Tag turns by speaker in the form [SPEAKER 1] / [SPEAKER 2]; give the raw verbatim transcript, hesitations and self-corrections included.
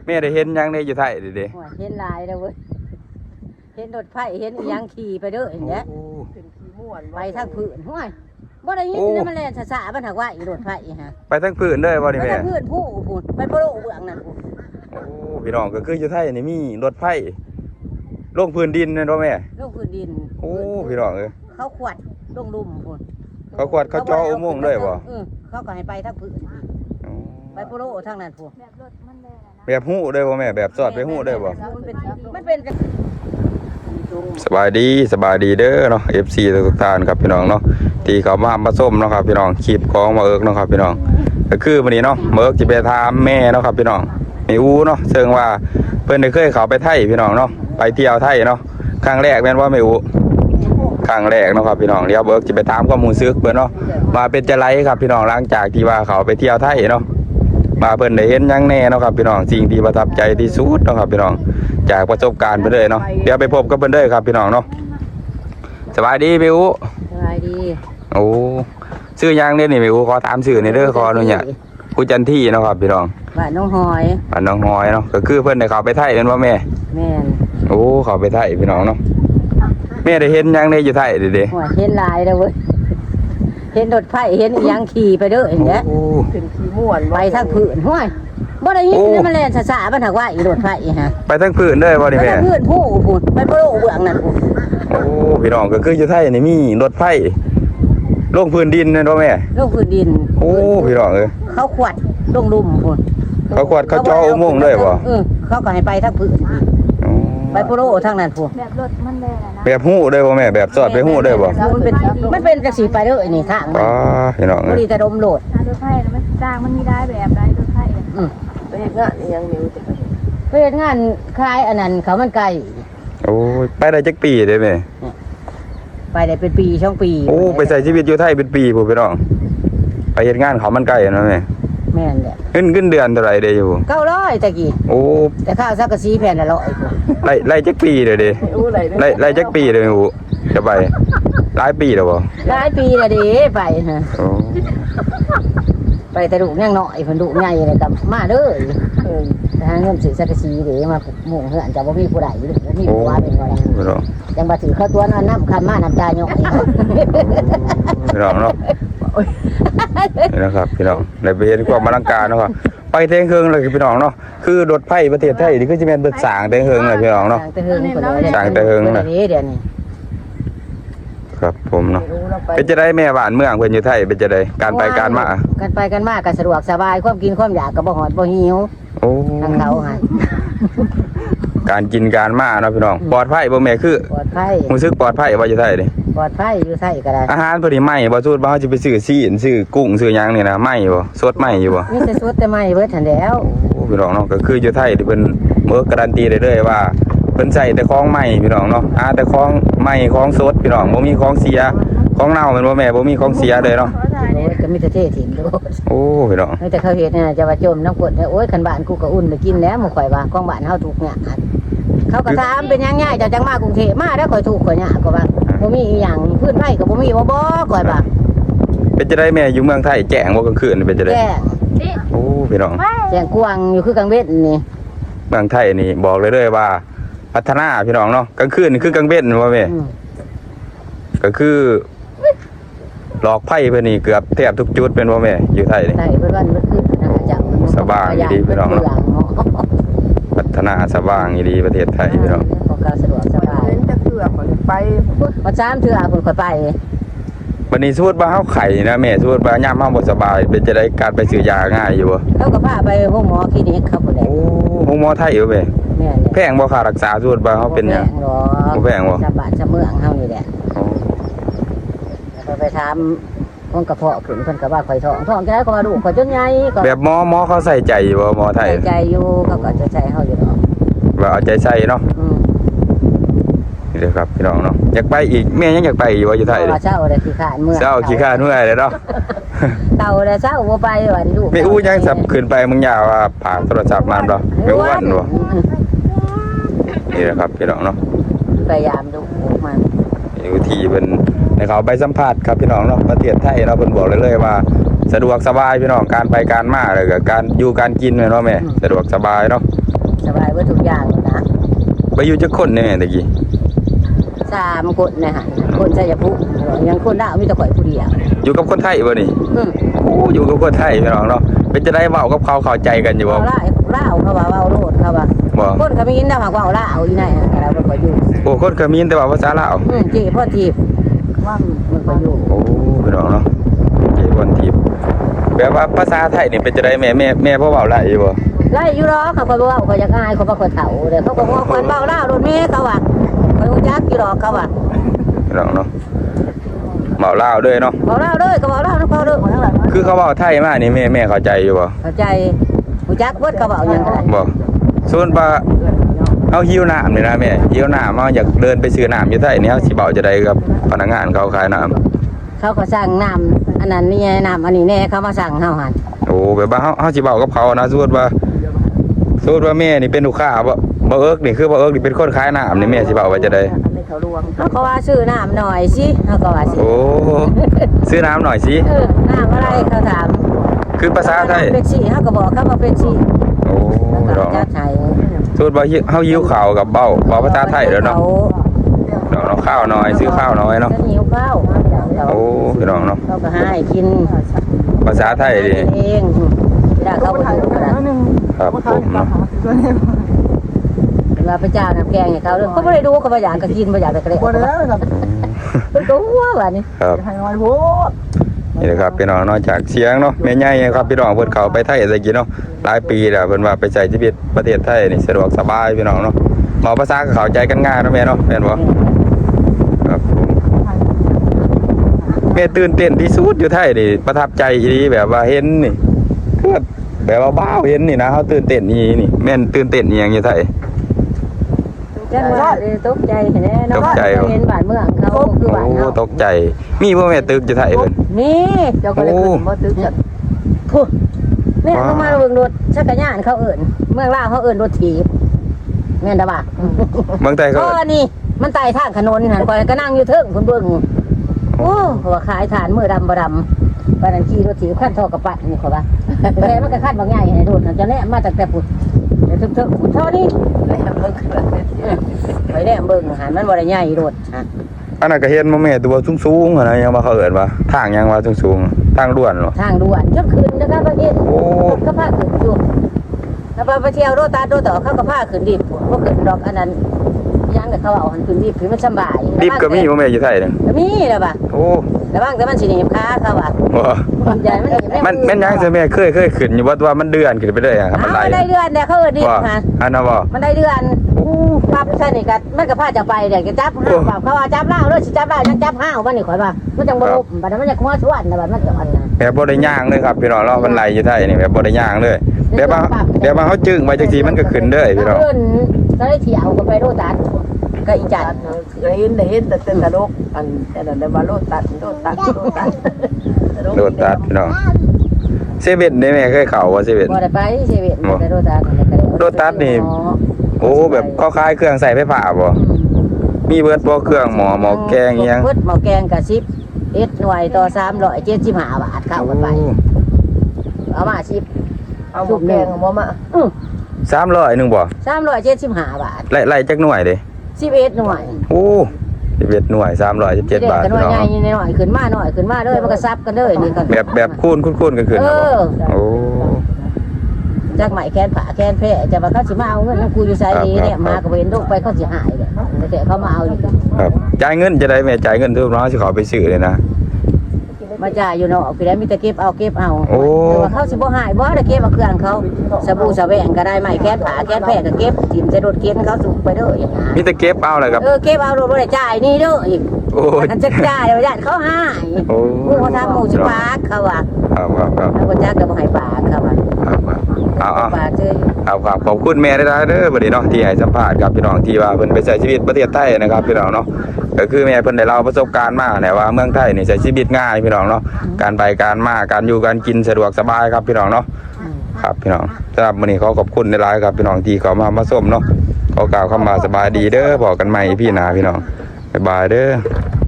[SPEAKER 1] แม่ได้เห็นยังได้อยู่ไทยดิเด้
[SPEAKER 2] เห็นลายแล้วเว้ยเห็นรถไฟเห็นยังขี่ไปเด้ออย่างเงี้ยไปทางพื้นห้วยบ่ได้ยินนี่มันแล่นช้าๆมันหักว่าอีรถไฟฮะ
[SPEAKER 1] ไปทางพื้นเด้อบ่นี่แม่
[SPEAKER 2] ไปทางพื้นผู้พูนไปโปโลเบื้องนั่นพูน
[SPEAKER 1] โอ้พี่น้องก็คืออยู่ไทยนี่มีรถไฟลงพื้นดินนั่นบ่แม่
[SPEAKER 2] ลงพื้นดิน
[SPEAKER 1] โอ้พี่น้องเอ้ย
[SPEAKER 2] เขาขวดลงลุ่มพูน
[SPEAKER 1] เขาขวดเขาจ่ออุโมงค์ด้วยบ่
[SPEAKER 2] เออเขาก็ให้ไปทางพื้นไปโปโลทางนั้นพูนแบบรถมันแล่น
[SPEAKER 1] แบบฮู้ได้บ่แม่แบบสอดไปฮู้ได้บ่
[SPEAKER 2] มันเป็นมันเป็น
[SPEAKER 1] สบายดีสบายดีเด้อเนาะ เอฟ ซี ทุกท่านครับพี่น้องเนาะที่เขามามาส้มเนาะครับพี่น้องคลิปของมาเอิกเนาะครับพี่น้องก็คือวันนี้เนาะมาเอิกจะไปถามแม่เนาะครับพี่น้องแม่อูเนาะเชิงว่าเพิ่นได้เคยเข้าไปไทยพี่น้องเนาะไปเที่ยวไทยเนาะครั้งแรกแม่นว่าแม่อูครั้งแรกเนาะครับพี่น้องเดี๋ยวเอิกจะไปถามข้อมูลซึกเพิ่นเนาะมาเป็นจังไดครับพี่น้องหลังจากที่ว่าเขาไปเที่ยวไทยเนาะมาเพิ่นได้เห็นยังแน่เนาะครับพี่น้องสิ่งที่ประทับใจที่สุดเนาะครับพี่น้องจากประสบการณ์ไปเลยเนาะเดี๋ยวไปพบกับเพิ่นเด้อครับพี่น้องเนาะสบายดีพี่อู
[SPEAKER 2] สบายดี
[SPEAKER 1] โอ้ชื่อยังเนี่ยนี่พี่อูขอถามชื่อในเด้อขออนุญาตกูจันที่เนาะครับพี่น้อง
[SPEAKER 2] บ้านน้องหอย
[SPEAKER 1] บ้านน้องหอยเนาะก็คือเพิ่นได้เข้าไปไทยเป็นว่าแม่
[SPEAKER 2] แม่น
[SPEAKER 1] โอ้เข้าไปไทยพี่น้องเนาะแม่ได้เห็นยังได้อยู่ไทยดิเด้
[SPEAKER 2] เห็นลายแล้วเว้ยเห็นรถไฟเห็นยังขี่ไปเด้ออย่างเงี้ย
[SPEAKER 3] เป็นขี่ม่วน
[SPEAKER 2] ไปทางพื้นห้วยบ่ได้ยินนี่มันแล่นช้าๆมันหักว่าอีรถไฟฮะ
[SPEAKER 1] ไปทางพื้นเด้อบ่นี่แม่
[SPEAKER 2] ไปทางพื้นผู้พูนไปโปโลเบื้องนั่นพูน
[SPEAKER 1] โอ้พี่น้องก็คืออยู่ไทยนี่มีรถไฟลงพื้นดินนั่นบ่แม่
[SPEAKER 2] ลงพื้นดิน
[SPEAKER 1] โอ้พี่น้องเอ้ย
[SPEAKER 2] เขาขวดลงลุ่มพูน
[SPEAKER 1] เขาขวดเขาจ่ออุโมงค์ด้วยบ่
[SPEAKER 2] เออเขาก็ให้ไปทางพื้นไปโปโลทางนั้นพูน
[SPEAKER 3] แบบรถมันแล่นนะ
[SPEAKER 1] แบบฮู้ได้บ่แม่แบบสอดไปฮู้ได้บ่
[SPEAKER 2] มันเป็นมันเป็นจังซี่ไปเด้อนี่ทาง
[SPEAKER 1] อ๋อพี่น้องเอ้ย
[SPEAKER 2] บ่ดีแต่ดมโหลด
[SPEAKER 3] รถไฟมันจ้างมันมีได้แบบได้รถไฟ
[SPEAKER 2] อือ
[SPEAKER 3] ไปเฮ็ดงานยังนิ้วจะ
[SPEAKER 2] ไปเฮ็ดงานคลายอันนั้นเขามันไกล
[SPEAKER 1] โอ้ยไปได้จักปีได้แม่
[SPEAKER 2] ไปได้เป็นปีสองปี
[SPEAKER 1] โอ้ไปใช้ชีวิตอยู่ไทยเป็นปีพุ่นพี่น้องไปเฮ็ดงานเขามันไกลเนาะแม่
[SPEAKER 2] แม่นแหละ
[SPEAKER 1] เงินเงินเดือนเท่าไหร่เด้อยู่
[SPEAKER 2] เก้าร้อยตะกี้
[SPEAKER 1] โอ้
[SPEAKER 2] แต่ข้าวสักกะสีแผ่นละร้อย
[SPEAKER 1] ไล่ไล่จักปีเด้อเด้ไล่ไล่จักปีเด้ออูจะไปหลายปีแล้วบ่
[SPEAKER 2] หลายปีแล้วเด้ไปฮะ
[SPEAKER 1] โอ้
[SPEAKER 2] ไปแต่ดุยังน้อยเพิ่นดุใหญ่เลยก็มาเด้อเออหาเงินซื้อสักกะสีเด้มาหมู่เฮือนจะบ่มีผู้ใดอยู่บ่มีผู้ว่าเป็นบ่ได้จังบ่ถือเข้าตัวนั้นน้ำคำมาน้ำตาหยอก
[SPEAKER 1] พี่น้องเนาะนี่นะครับพี่น้องได้ไปเห็นความอลังการเนาะไปเทงเฮิงเลยพี่น้องเนาะคือรถไฟประเทศไทยนี่คือจะเป็นเบิดสางเทงเฮิงเลยพี่น้องเนาะสางเทงเฮิงนะ
[SPEAKER 2] เดี๋ยวนี้
[SPEAKER 1] ครับผมเนาะเป็นจะได้แม่บ้านเมืองเพิ่นอยู่ไทยเป็นจะได้การไปการมา
[SPEAKER 2] การไปกันมาก็สะดวกสบายความกินความอยากก็บ่หอดบ่หิว
[SPEAKER 1] โอ้
[SPEAKER 2] ทางเขาฮะ
[SPEAKER 1] การกินการมาเนาะพี่น้องปลอดภัยบ่แม่คือ
[SPEAKER 2] ปลอดภัย
[SPEAKER 1] รู้สึกปลอดภัยว่าอยู่ไทยเด้
[SPEAKER 2] ปลอดภัยอยู่ไทยก็ได้
[SPEAKER 1] อาหารเพิ่นนี่ไหม้บ่สูตรบ่เฮาสิไปซื้อซีนซื้อกุ้งซื้อหยังนี่นะไหม้บ่สดไหม้อยู่บ่
[SPEAKER 2] มีแต่สดแต่ไหม้เบิดหั่นแล้ว
[SPEAKER 1] โอ้พี่น้องเนาะก็คืออยู่ไทยที่เพิ่นเมื่อการันตีได้เลยว่าเพิ่นใช้แต่ของใหม่พี่น้องเนาะหาแต่ของใหม่ของสดพี่น้องบ่มีของเสียของเน่าแม่นบ่แม่บ่มีของเสียเลยเนาะ
[SPEAKER 2] โอ้ยก็มีแต่เทถิ่นโลด
[SPEAKER 1] โอ้พี่น้อง
[SPEAKER 2] แต่เขาเฮ็ดเนี่ยจะว่าจมน้ำกรดโอ้ยคันบ้านกูก็อุ่นไปกินแล้วหมู่ข่อยว่าของบ้านเฮาถูกเนี่ยเขาก็ถามเป็นยังไงเจ้าจังมากรุงเทพมาแล้วข่อยถูกข่อยเนี่ยก็ว่าบ่มีอีหยังพื้นไผก็บ่มีบ่บ่ข่อยว่า
[SPEAKER 1] เป็นจะได้แม่อยู่เมืองไทยแจ้งบ่กลางคืนเป็นจะได้
[SPEAKER 2] แจ้ง
[SPEAKER 1] โอ้พี่น้อง
[SPEAKER 2] แจ้งกวางอยู่คือกลางเว้นนี่
[SPEAKER 1] เมืองไทยนี่บอกเลยเลยว่าพัฒนาพี่น้องเนาะกลางคืนนี่คือกลางเว้นว่าแม่ก็คือหลอกไพ่เพิ่นนี่เกือบแทบทุกจุดเป็นว่าแม่อยู่ไทยนี่
[SPEAKER 2] ใช่เพิ่นว่ามันคือนะคะเจ้า
[SPEAKER 1] สบายดีพี่น้องเนาะพัฒนาสว่างดีประเทศไทยพี่น้อง
[SPEAKER 2] ของการสะดวกสบาย
[SPEAKER 3] จะเกือบไป
[SPEAKER 2] บ่ซ้ำเทื่อเพิ่นค่อยไป
[SPEAKER 1] บัดนี้สมมุติว่าเฮาไข้นะแม่สมมุติว่ายามเฮาบ่สบายเป็นจะได้การไปซื้อยาง่ายอยู่บ่
[SPEAKER 2] เขาก็พาไปโรงหมอคลินิกครับพุ่นแหละ
[SPEAKER 1] โอ้โรงหมอไทยอยู่แม่
[SPEAKER 2] แม่
[SPEAKER 1] แพงบ่ค่ารักษาสมมุติว่าเฮาเป็นหยังบ่แพงบ่
[SPEAKER 2] ชาวบ้านชาวเมืองเฮานี่แหละไปถามคนกระเพาะขึ้นเพิ่นก็ว่าข่อยท้องท้องจังได๋ก็ว่าลูกข่อยจนใหญ่ก็
[SPEAKER 1] แบบหมอหมอเขาใส่ใจบ่หมอไทย
[SPEAKER 2] ใส่ใจอยู่เขาก็จะใส่เฮาอยู่เนาะ
[SPEAKER 1] ว่าเอาใจใส่เนาะ
[SPEAKER 2] อืม
[SPEAKER 1] นี่เด้อครับพี่น้องเนาะอยากไปอีกแม่ยังอยากไปอยู่ว่าอยู่ไทย
[SPEAKER 2] เด้อเช้าได้ขี้ข้านเมื่อ
[SPEAKER 1] เช้าขี้ข้านเมื่อเด้อเนาะ
[SPEAKER 2] เต่าได้เช้าบ่ไปว่าลูก
[SPEAKER 1] แม่อู้ยังสับขึ้นไปมึงยาวว่าฝากโทรศัพท์มาบ่แม่อ้วนบ่นี่แหละครับพี่น้องเนาะ
[SPEAKER 2] พยายามดูมัน
[SPEAKER 1] อยู่ที่เพิ่นให้เขาไปสัมภาษณ์ครับพี่น้องเนาะประเทศไทยเนาะเพิ่นบอกเลยเลยว่าสะดวกสบายพี่น้องการไปการมาแล้วก็การอยู่การกินแม่นบ่แม่สะดวกสบายเนาะ
[SPEAKER 2] สบายเบิดทุกอย่างนะ
[SPEAKER 1] ไปอยู่จักคนแน่ตะกี้
[SPEAKER 2] สามคนนะฮะคนชัยภูมิยังคนลาวมีแต่ข่อยผู้เดียว
[SPEAKER 1] อยู่กับคนไทยบ่นี่
[SPEAKER 2] อืม
[SPEAKER 1] โอ้อยู่กับคนไทยพี่น้องเนาะเป็นจะได้เว้ากับเขาเข้าใจกันอยู่บ่
[SPEAKER 2] เอาล่าล่าวเขาว่าเว้าโลดเขาว่า
[SPEAKER 1] บ่
[SPEAKER 2] คนเขามีอินดาหากว่าเอาล่าวอีไหนแต่เราบ่ค่อยอยู่
[SPEAKER 1] โอ้คนเขมรแต่ว่าภาษาลาว
[SPEAKER 2] อืมจีพ่อทีบว่ามันค่อยอยู่
[SPEAKER 1] โอ้พี่น้องเนาะเจวันทิพย์แปลว่าภาษาไทยนี่เป็นจะได้แม่แม่แม่พ่อเว้าได้อยู่บ่
[SPEAKER 2] ไล่อยู่รอเขาก็บ่เว้าเขาอยากอายเขาบ่ค่อยเฒ่าเด้เขาก็บอกคนเว้าล่าวโดนแม่เขาว่าข่อยฮู้จักอยู่รอเขาว่า
[SPEAKER 1] พี่น้องเนาะเว้าลาวด้วยเนาะ
[SPEAKER 2] เว้าล่าวเด้อก็เว้าล่าวนำเขาเด้อ
[SPEAKER 1] คือเขาเว้าไทยมานี่แม่แม่เข้าใจอยู่บ่
[SPEAKER 2] เข้าใจฮู้จักเบิดเขาเว้าหยังก็ได้
[SPEAKER 1] บ่ส่วนว่าเอาหิวน้ำนี่นะแม่หิวน้ำเฮาอยากเดินไปซื้อน้ำอยู่ไทยนี่เฮาสิเว้าจะได้กับพนักงานเขาขายน้ำ
[SPEAKER 2] เขาก็สั่งน้ำอันนั้นนี่ไงน้ำอันนี้แน่เขามาสั่งเฮาหั่น
[SPEAKER 1] โอ้แบบว่าเฮาเฮาสิเว้ากับเขานะสมมุติว่าสมมุติว่าแม่นี่เป็นลูกค้าบ่บ่เอิกนี่คือบ่เอิกนี่เป็นคนขายน้ำนี่แม่สิเว้าว่าจะได้
[SPEAKER 2] เขาก็ว่าซื้อน้ำหน่อยสิเขาก็ว่าสิ
[SPEAKER 1] โอ้ซื้อน้ำหน่อยสิ
[SPEAKER 2] เออน้ำอะไรเขาถาม
[SPEAKER 1] คือภาษาไทย
[SPEAKER 2] เป็นชีเขาก็บอกเขาว่าเป็นชี
[SPEAKER 1] โอ้
[SPEAKER 2] แล้ว
[SPEAKER 1] ด
[SPEAKER 2] ก็
[SPEAKER 1] อก
[SPEAKER 2] จะใช้
[SPEAKER 1] สูตรว่าเฮาหิวข้าวกับเบ้าเว้าภาษาไทยแล้วเนาะดอกเนาะข้าวน้อยซื้อข้าวน้อยเนาะ
[SPEAKER 2] จะหิวข้าว
[SPEAKER 1] โอ้พี่น้องเนาะ
[SPEAKER 2] เขาก็ให้กิน
[SPEAKER 1] ภาษาไทยดิ
[SPEAKER 2] เองเวลาเขาไปดูกันนะครับ
[SPEAKER 1] ผมเนาะ
[SPEAKER 2] เวลาพระเจ้าน้ำแกงให้เขาเรื่องเขาไม่ได้ดูเขาไม่อยากก็กินไม่อยากก็เละ
[SPEAKER 3] บ่ได้แล้วครับ
[SPEAKER 2] เป็นตัวหัวแบบนี้
[SPEAKER 1] ครับ
[SPEAKER 3] ให้น้อยโพด
[SPEAKER 1] นี่แหละครับพี่น้องเนาะจากเสียงเนาะแม่ใหญ่ครับพี่น้องเพิ่นเข้าไปไทยตะกี้เนาะหลายปีแล้วเพิ่นว่าไปใช้ชีวิตประเทศไทยนี่สะดวกสบายพี่น้องเนาะเว้าภาษาก็เข้าใจกันง่ายเนาะแม่เนาะแม่นบ่ครับผมแม่ตื่นเต้นที่สุดอยู่ไทยนี่ประทับใจอีหลีแบบว่าเห็นนี่คือแบบว่าบ้าวเห็นนี่นะเฮาตื่นเต้นอีนี่แม่นตื่นเต้นอีหยังอยู่ไทย
[SPEAKER 2] จังว่าตกใจแน่เนาะ
[SPEAKER 1] ตกใจเหรอ
[SPEAKER 2] เห็นบ้านเมืองเขาคือบ้าน
[SPEAKER 1] โอ้
[SPEAKER 2] เขา
[SPEAKER 1] ตกใจ มีบ่แม่ตึกอยู่ไทยเพิ่น
[SPEAKER 2] นี่เจ้าก็เลยขึ้นบ่ตึกจักพูแม่ลงมาเบิ่งรถชักกะยานเขาเอิ้นเมืองลาวเขาเอิ้นรถถีบแม่นดาบ่า
[SPEAKER 1] เมืองไทยเขา
[SPEAKER 2] ก็นี่มันไต่ทางถนนหันก่อนก็นั่งอยู่เทิงเพิ่นเบิ่งโอ้เขาว่าขายฐานมือดำบ่ดำปานนั้นขี่รถถีบขั้นทอกระปัดนี่เขาว่าแต่มันก็ขั้นบางใหญ่ให้โดดจะแน่มาจากแต่พุ่นแต่เทิงๆพุ่นเท่านี้แล่เบิ่งไปแล่เบิ่งหันมันบ่ได้ใหญ่โดดฮะ
[SPEAKER 1] อันนั้นก็เห็นบ่แม่ตัวสูงๆอะนะยังว่าเขาเอิ้นว่าทางยังว่าสูงๆทางด่วนเหรอ
[SPEAKER 2] ทางด่วนจนขึ้นนะครับประเทศ
[SPEAKER 1] โอ้
[SPEAKER 2] ก็พาขึ้นอยู่ถ้าไปเที่ยวโรตาโรต่อเขาก็พาขึ้นดิบพวกขึ้นดอกอันนั้นยังแต่เขาเอาหันขึ้นดิบคือมันสบาย
[SPEAKER 1] ดิบก็มีบ่แม่อยู่ไทยนี่
[SPEAKER 2] ก็มีแล้วป่ะ
[SPEAKER 1] โอ้
[SPEAKER 2] ระวังแต่มันสิหนีบขาเขาอ่ะ
[SPEAKER 1] บ่
[SPEAKER 2] มันใหญ่มันหนีบ
[SPEAKER 1] มันแม่นยังซะแม่เคยเคยขึ้นอยู่ว่าว่ามันเดือนขึ้นไปเลยอะครับ
[SPEAKER 2] มั
[SPEAKER 1] มัน
[SPEAKER 2] น
[SPEAKER 1] ไหล
[SPEAKER 2] ได้เดือนเนี่ยเขาเออดิบ
[SPEAKER 1] ว่า
[SPEAKER 2] ฮะ
[SPEAKER 1] อันนั้นบ่
[SPEAKER 2] มันได้เดือนปั๊บใช่นี่กันมันก็พาจะไปเดี๋ยวจะจับห้าวปั๊บเขาว่าจับเล่าด้วยสิจับเล่ายังจับห้าวมันนี่ข่อยว่ามันจังบ่ลบบัดนั้นมันจะขโมยสวนนะบัดมันจะอันนั้น
[SPEAKER 1] แบบบ่ได้ย่างเลยครับพี่น้องเรามันไหลอยู่ไทยนี่แบบบ่ได้ย่างเลยแบบว่าแบบว่าเฮาจึงไปจังซี่มันก็ขึ้นเด้อพี่น้อง
[SPEAKER 2] เอิ้นก็ได้เที่ยวก็ไปโรตัสก็อีจัด
[SPEAKER 3] เคยเห็นได้เห็นแต่แต่ตลกอันแต่นั้นได้ว่าโลตัดโลตัดโลตัด
[SPEAKER 1] โดดตัดพี่น้องเซเว่นนี่แม่เคยเข้าบ่เซเว่น
[SPEAKER 2] บ่ได้ไปเซเว่น
[SPEAKER 1] บ่
[SPEAKER 2] ไปโรตัส
[SPEAKER 1] โรตัสนี่ โอ้แบบเขาขายเครื่องใส่ไฟฟ้าบ่
[SPEAKER 2] อืม
[SPEAKER 1] มีเบิดบ่เครื่องหมอหมอแกงอิหยัง
[SPEAKER 2] เบิดหมอแกงกับสิบเอ็ดหน่วยต่อสามร้อยเจ็ดสิบห้าบาทเข้ากันไปเอามาสิบ
[SPEAKER 3] เอาหมูแกงเอาบ่มา
[SPEAKER 2] อือ
[SPEAKER 1] สามร้อยหนึงบ่
[SPEAKER 2] สามร้อยเจ็ดสิบห้าบาท
[SPEAKER 1] ไล่ไล่จักหน่วยเด้
[SPEAKER 2] สิบเอ็ดหน่วย
[SPEAKER 1] โอ้สิบเอ็ดหน่วยสามร้อยสิบเจ็ดบาท
[SPEAKER 2] กันหน่
[SPEAKER 1] พี่
[SPEAKER 2] วย
[SPEAKER 1] น้อง
[SPEAKER 2] ใหญ่หน่อยขึ้นมาหน่อยขึ้นมาเลยมันก็ซับกันเลยนี่ก็
[SPEAKER 1] แบบแบบคูณคูณๆกันขึ้น
[SPEAKER 2] เอ
[SPEAKER 1] นะบ่
[SPEAKER 2] อ
[SPEAKER 1] โอ้
[SPEAKER 2] จากไหมแคนผ่าแคนแพร่จะมาเขาสิมาเอาเงินน้ำกูอยู่ไสดีเนี่ยมาก็เห็นลูกไปเขาสิหายเลยแต่เขามาเอาอยู่
[SPEAKER 1] ครับจ่ายเงินจะได้แม่จ่ายเงินทุกน้องสิขอไปซื้อเลยนะ
[SPEAKER 2] มาจ่ายอยู่เนาะพี่แล้วมีแต่เก็บเอาเก็บเอา
[SPEAKER 1] โอ้
[SPEAKER 2] แต่ว่าเขาสิบ่หายบ่ได้เก็บเอาเครื่องเขาสบู่สะแหวงก็ได้ไหมแคนผ่าแคนแพร่ก็เก็บถิ่มใส่รถเข็นเขาสูงไปเด้ออย่างนั้น
[SPEAKER 1] มีแต่เก็บเอาเลยครับ
[SPEAKER 2] เออเก็บเอาโดนบ่ได้จ่ายนี่เด้ออีก
[SPEAKER 1] โอ้ย
[SPEAKER 2] อันจะจ่ายเอาญาติเขาหาย
[SPEAKER 1] โอ้
[SPEAKER 2] หมู่เขาทำหมู่สิปากเขาว่า
[SPEAKER 1] ครับครับครับ
[SPEAKER 2] แล้วบ่จักก็บ่ให้ปากเขาว่า
[SPEAKER 1] ครับครับเอาเอา
[SPEAKER 2] ปากเจอ
[SPEAKER 1] ครับครับขอบคุณแม่ได้ๆเด้อบัดนี้เนาะที่ให้สัมภาษณ์กับพี่น้องที่ว่าเพิ่นไปใช้ชีวิตประเทศไทยนะครับพี่น้องเนาะก็คือแม่เพิ่นได้เล่าประสบการณ์มาแหละว่าเมืองไทยนี่ใช้ชีวิตง่ายพี่น้องเนาะการไปการมาการอยู่การกินสะดวกสบายครับพี่น้องเนาะครับพี่น้องสำหรับมื้อนี้ขอขอบคุณในหลายๆครับพี่น้องที่เขามามาชมเนาะขอกล่าวคำว่าสบายดีเด้อบอกกันใหม่พี่หน้าพี่น้องบ๊ายบายเด้อ